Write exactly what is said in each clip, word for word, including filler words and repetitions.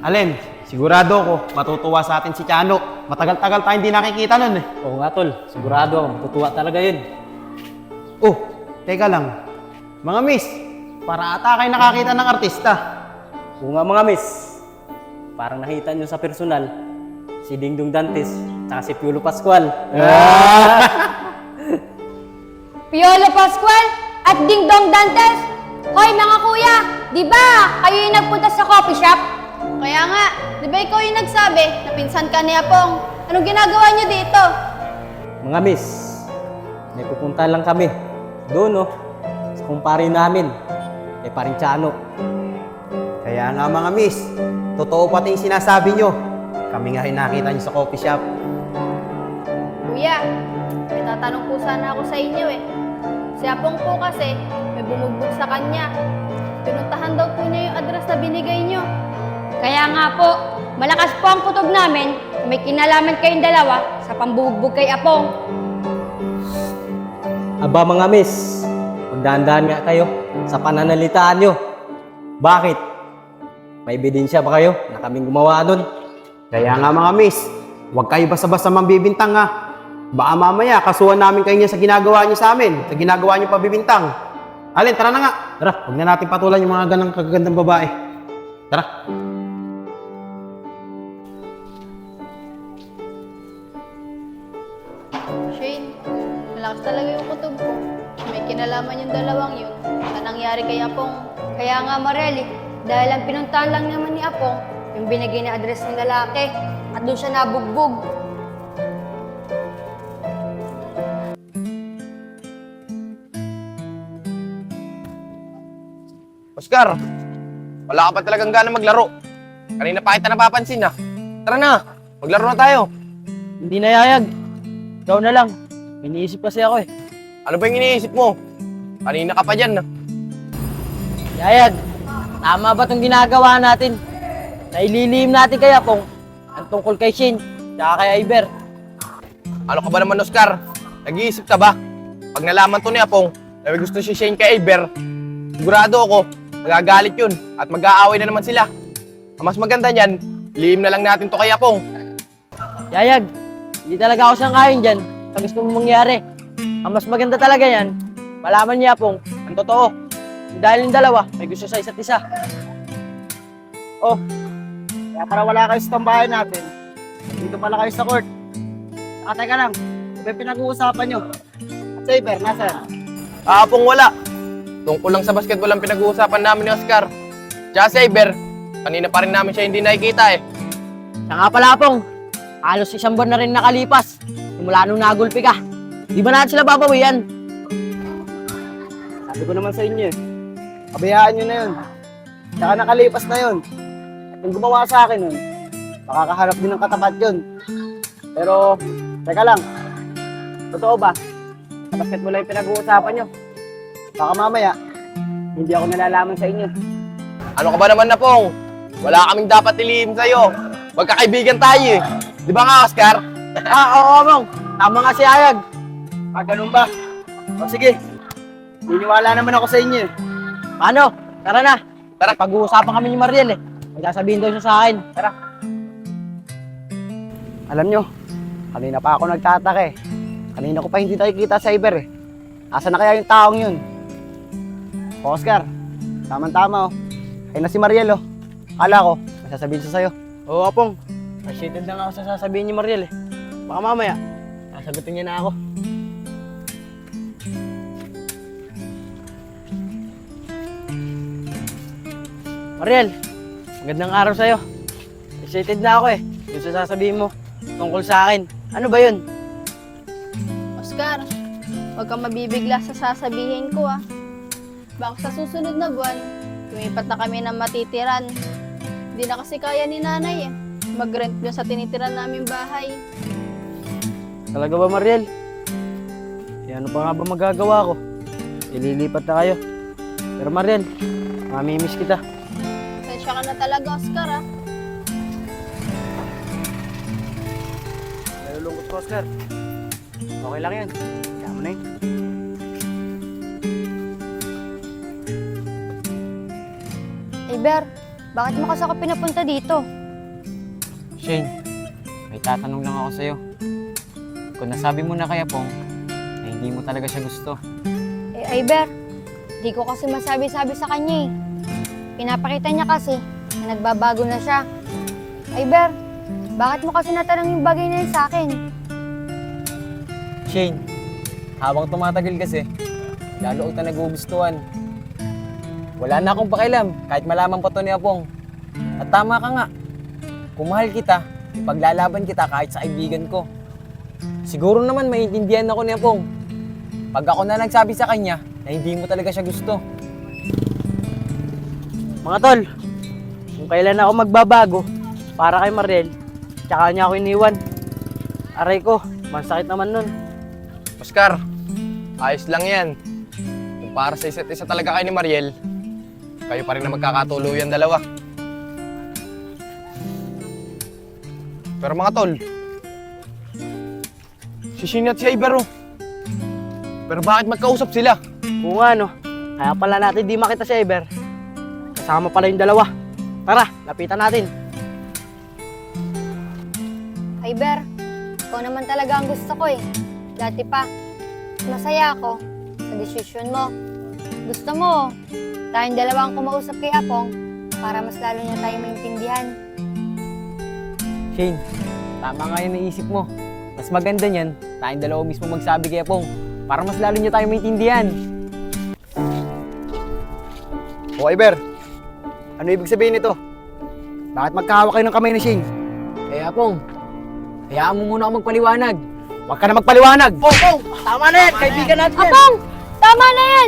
Alin, sigurado ako, matutuwa sa atin si Chano. Matagal-tagal tayo hindi nakikita nun eh. Oo nga tol, sigurado ako, matutuwa talaga yun. Oh, teka lang. Mga miss, para ata kayo nakakita ng artista. Oo nga mga miss, parang nakita nyo sa personal, si Dingdong Dantes, tsaka si Piolo Pascual. Piolo Pascual at Dingdong Dantes. Hoy mga kuya, di ba kayo yung nagpunta sa coffee shop? Kaya nga, di ba ikaw yung nagsabi na pinsan ka ni Apong? Anong ginagawa niyo dito? Mga miss, may pupunta lang kami. Doon no, sa kumpare namin, kay paring Chano. Kaya nga mga miss, totoo pati yung sinasabi nyo. Kami nga rin nakita nyo sa coffee shop. Kuya, may tatanong po sana ako sa inyo eh. Si Apong po kasi, may bumugbog sa kanya. Pinuntahan daw po niya yung address na binigay niyo. Kaya nga po, malakas po ang kutob namin na may kinalaman kayong dalawa sa pambubugbog kay Apong. Aba mga miss, magdahan-dahan nga kayo sa pananalitaan nyo. Bakit? May ebidensya ba kayo na kaming gumawa nun? Kaya nga mga miss, huwag kayo basta-basta mambibintang ha. Baka mamaya kasuhan namin kayo niya sa ginagawa niyo sa amin, sa ginagawa niyo pabibintang. Alin, tara na nga. Tara, huwag na natin patulan yung mga ganang kagagandang babae. Tara. Shane, malakas talaga yung kutob ko. May kinalaman yung dalawang yun sa nangyari kay Apong. Kaya nga Marely, dahil ang pinuntahan lang naman ni Apong, yung binigay na address ng lalaki, at doon siya nabugbog. Oscar, wala ka pa talagang gana maglaro. Kanina pa kita napapansin ah. Tara na, maglaro na tayo. Hindi na yayag. Ikaw na lang. Iniisip kasi ako eh. Ano ba yung iniisip mo? Kanina ka pa dyan ah. Yayag, tama ba itong ginagawa natin? Naililihim natin kay Apong ang tungkol kay Shane, tsaka kay Iber. Ano ka ba naman Oscar? Nag-iisip ka ba? Pag nalaman to ni Apong na may gusto si Shane kay Iber, sigurado ako, magagalit yun at mag-aaway na naman sila. Ang mas maganda niyan, lihim na lang natin to kay Apong. Yayag, hindi talaga ako sangkayon dyan sa gusto mong mangyari. Ang mas maganda talaga yan, malaman niya Apong ang totoo. Dahil yung dalawa, may gusto sa isa't isa. Oh, kaya para wala kayo sa tambahan natin, dito pala kayo sa court. Saka teka lang, ano ba pinag-uusapan nyo? At sa Iber, nasaan? Ah, Apong wala. Tungkol lang sa basketball ang pinag-uusapan namin ni Oscar. Tsaka si Iber, kanina pa rin namin siya hindi nakikita eh. Siya nga pala Apong, halos isang buwan na rin nakalipas. Simula nung nagulpi ka. Di ba natin sila babawian? Sabi ko naman sa inyo eh, pabayaan nyo na yun. Saka nakalipas na yun. At yung gumawa sa akin nun, makakaharap din ng katapat yun. Pero, teka lang, totoo ba? Sa basketball lang yung pinag-uusapan nyo. Baka mamaya, hindi ako nalalaman sa inyo. Ano ka ba naman na Pong? Wala kaming dapat ilihim sa'yo. Magkakaibigan tayo eh. Di ba nga Oscar? Ah, oo, Mong. Tama nga si Ayag. Ah, ganun ba? O sige, niniwala naman ako sa inyo eh. Paano? Tara na. Tara. Pag-uusapan kami ni Mariel eh. May sasabihin daw siya sa akin. Tara. Alam nyo, kanina pa ako nagtataka eh. Kanina ko pa hindi nakikita sa Iber eh. Asa na kaya yung taong yun? Oscar, tama-tama oh. Ayun na si Mariel oh. Akala ko, may sasabihin siya sa'yo. Oo, Apong. Excited lang ako sa sasabihin ni Mariel eh. Baka mamaya, sasagutin niya na ako. Mariel, magandang araw sa'yo. Excited na ako eh. Yung sa sasabihin mo tungkol sa akin. Ano ba yun? Oscar, huwag kang mabibigla sa sasabihin ko ah. Baka sa susunod na buwan, lumipat na kami ng matitiran. Hindi na kasi kaya ni nanay eh. Mag-rent doon sa tinitiran naming bahay. Talaga ba, Mariel? Eh, ano pa nga ba magagawa ko? Ililipat na kayo. Pero Mariel, mamimiss kita. Pasensya ka na talaga, Oscar ah. Nalulungkot ko, Oscar. Okay lang yan. Kaya mo na yun. Iber, bakit mo kasi ako pinapunta dito? Shane, may tatanong lang ako sa'yo. Kung nasabi mo na kay Apong na hindi mo talaga siya gusto, Eh, Iber, di ko kasi masabi-sabi sa kanya eh. Pinapakita niya kasi na nagbabago na siya. Iber, bakit mo kasi natanong yung bagay na yun sa akin? Shane, habang tumatagal kasi, lalo kita nagugustuhan. Wala na akong pakialam kahit malaman pa to ni Apong. At tama ka nga, kung mahal kita, ipaglalaban kita kahit sa kaibigan ko. Siguro naman maintindihan ako ni Apong pag ako na nagsabi sa kanya na hindi mo talaga siya gusto. Mga tol, kung kailan ako magbabago para kay Mariel, tsaka niya ako iniwan. Aray ko, masakit naman nun. Oscar, ayos lang yan. Kung para sa isa't isa talaga kayo ni Mariel, kayo pa rin na magkakatuluyan dalawa. Pero mga tol, si Shane at si Iber oh. Pero bakit magkausap sila? Kung ano, kaya pala natin di makita si Iber. Kasama pala yung dalawa. Tara, lapitan natin. Iber, ikaw naman talaga ang gusto ko eh. Dati pa, masaya ako sa desisyon mo. Gusto mo, tayong dalawa ang kumausap kay Apong para mas lalo niya tayo maintindihan. Shane, tama nga yung naisip mo. Mas maganda niyan, tayong dalawa mismo magsabi kay Apong para mas lalo niya tayo maintindihan. O Iber, ano ibig sabihin nito? Bakit magkahawak kayo ng kamay ni Shane? Eh Apong, hayaan mo muna ako magpaliwanag. Huwag ka na magpaliwanag! Oh, oh, tama na yan, kaibigan natin yan. Apong! Tama na yan!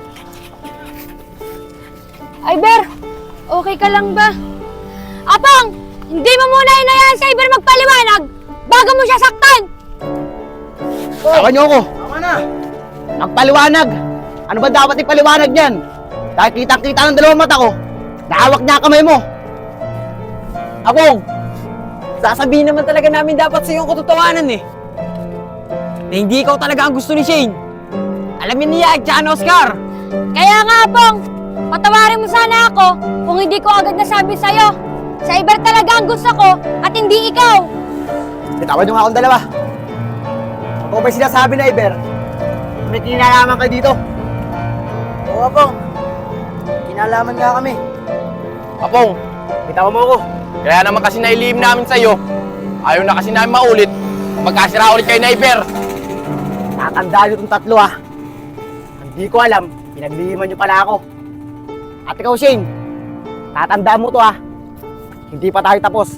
Iber, okay ka lang ba? Apong! Hindi mo muna hinayaan sa Iber magpaliwanag bago mo siya saktan! Tawa niyo ako! Tama na. Nagpaliwanag! Ano ba dapat ipaliwanag niyan? Dahil kitang-kita ng dalawang mata ko, nahawak niya ang kamay mo! Apong, sasabihin naman talaga namin dapat sa iyong katotohanan eh. Na hindi ikaw talaga ang gusto ni Shane. Alamin niya at ni Oscar. Kaya nga, Apong, patawarin mo sana ako kung hindi ko agad nasabi sa'yo. Sa Iber talaga ang gusto ko at hindi ikaw. Bitawan niyo nga akong dalawa. Kung may sinasabi na Iber, may kinalaman kayo dito. Oo, Apong. Kinalaman nga kami. Apong, Bitawan mo ako. kaya naman kasi nailihim namin sa'yo. Ayaw na kasi namin maulit. Magkasira ulit kayo na Iber. Tatandaan niyo itong tatlo ah. Hindi ko alam, pinaglihiman niyo pala ako. At ikaw Shane, tatandaan mo to ah. Hindi pa tayo tapos.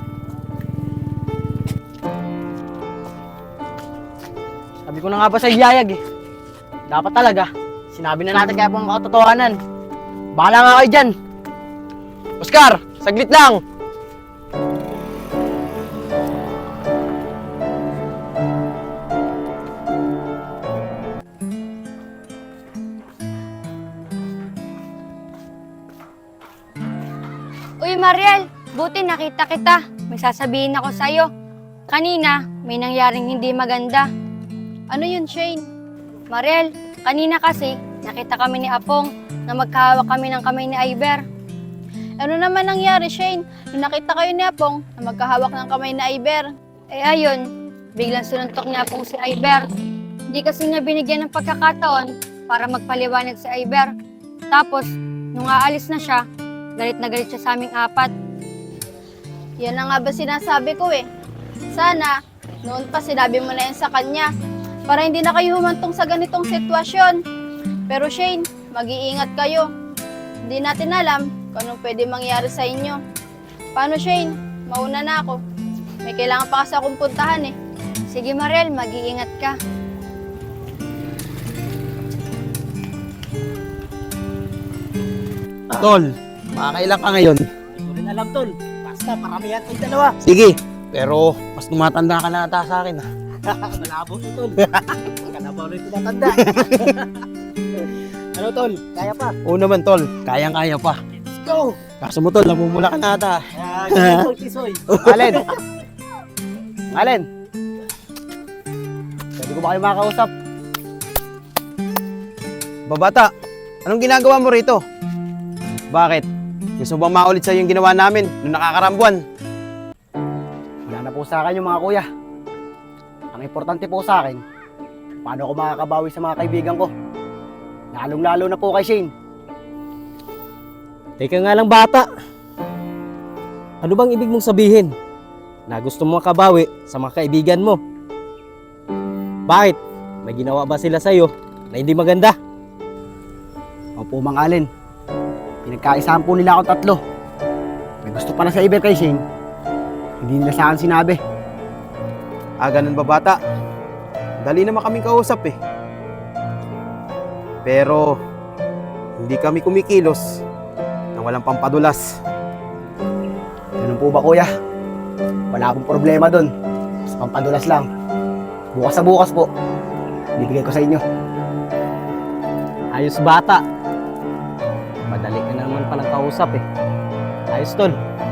Sabi ko na nga ba sa Yayag eh. Dapat talaga, sinabi na natin kaya pang katotohanan. Bahala nga kayo dyan. Oscar, saglit lang. Uy, Mariel, buti nakita kita. May sasabihin ako sa'yo. Kanina, may nangyaring hindi maganda. Ano yun, Shane? Mariel, kanina kasi, nakita kami ni Apong na magkahawak kami ng kamay ni Iber. Ano naman nangyari, Shane? Nung nakita kayo ni Apong na magkahawak ng kamay na Iber. Eh ayun, biglang sununtok ni Apong si Iber. Hindi kasi niya binigyan ng pagkakataon para magpaliwanag si Iber. Tapos, nung aalis na siya, galit na galit siya sa aming apat. Yan na nga ba sinasabi ko eh. Sana, noon pa sinabi mo na yan sa kanya para hindi na kayo humantong sa ganitong sitwasyon. Pero Shane, mag-iingat kayo. Hindi natin alam kung anong pwede mangyari sa inyo. Paano Shane? Mauna na ako. May kailangan pa kasi akong puntahan eh. Sige Mariel, mag-iingat ka. Tol, makakailan ka ngayon? Hindi ko rin alam, tol. Basta, paramihan kayong dalawa. Sige, pero mas tumatanda ka na ata sa akin ah. Malabo to, tol. Ka na ba ulit tumatanda? Ano, tol? Kaya pa. Oo naman tol, kayang-kaya pa. Let's go! Kaso mo tol, namumula ka na ata. Kaya, kisoy, kisoy. Alin? Alin? Pwede ko ba kayo makakausap? Babata, anong ginagawa mo rito? Bakit? Gusto mo bang maulit sa'yo yung ginawa namin nung nakakarambuan? Wala na po sa akin yung mga kuya. Ang importante po sa akin, paano ako makakabawi sa mga kaibigan ko. Lalong-lalo na po kay Shane. Teka nga lang bata. Ano bang ibig mong sabihin? Na gusto mo makabawi sa mga kaibigan mo? Bakit? May ginawa ba sila sa'yo na hindi maganda? Opo, Mang Allen. Pinagkaisahan po nila ako tatlo. May gusto pala sa Iber kay Shane. Hindi nila sa akin sinabi. Ah, ganun ba bata? Dali naman kaming kausap eh. Pero, hindi kami kumikilos nang walang pampadulas. Ganun po ba, kuya? Wala akong problema doon. Sa pampadulas lang. Bukas sa bukas po, bibigay ko sa inyo. Ayos bata. Madali ka naman palang kausap eh. Ayos tol.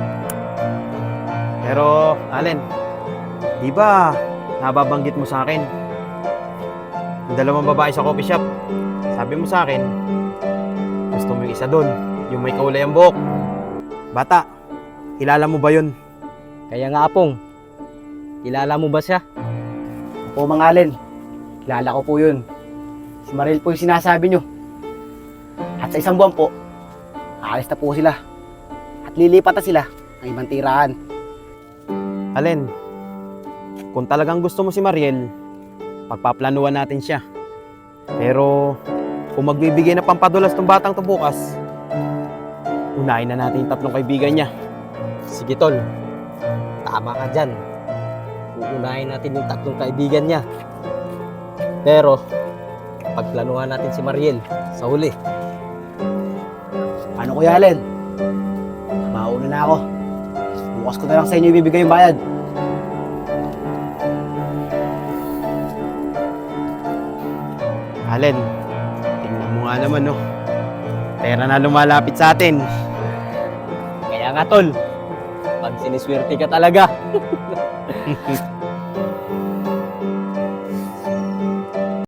Pero, Allen, di ba nababanggit mo sa akin yung dalawang babae sa coffee shop? Sabi mo sa akin, gusto mo yung isa doon, yung may kaulay ang buhok. Bata, kilala mo ba yun? Kaya nga apong, kilala mo ba siya? Opo, Mang Allen. Kilala ko po yun. Si Maril po yung sinasabi nyo. At sa isang buwan po, aalis na po sila. At lilipat na sila ng ibang tirahan. Allen, kung talagang gusto mo si Mariel, pagpaplanuhan natin siya. Pero, kung magbibigay na pampadulas tong batang to bukas, unahin na natin yung tatlong kaibigan niya. Sige tol, tama ka dyan. Uunahin natin yung tatlong kaibigan niya. Pero, pagplanuhan natin si Mariel sa huli. Ano, Kuya Allen? Mauna na ako. Bukas ko na lang sa inyo ibibigay yung bayad. Allen, tingnan mo nga naman, no? Pera na lumalapit sa atin. Kaya nga tol, pag siniswerte ka talaga.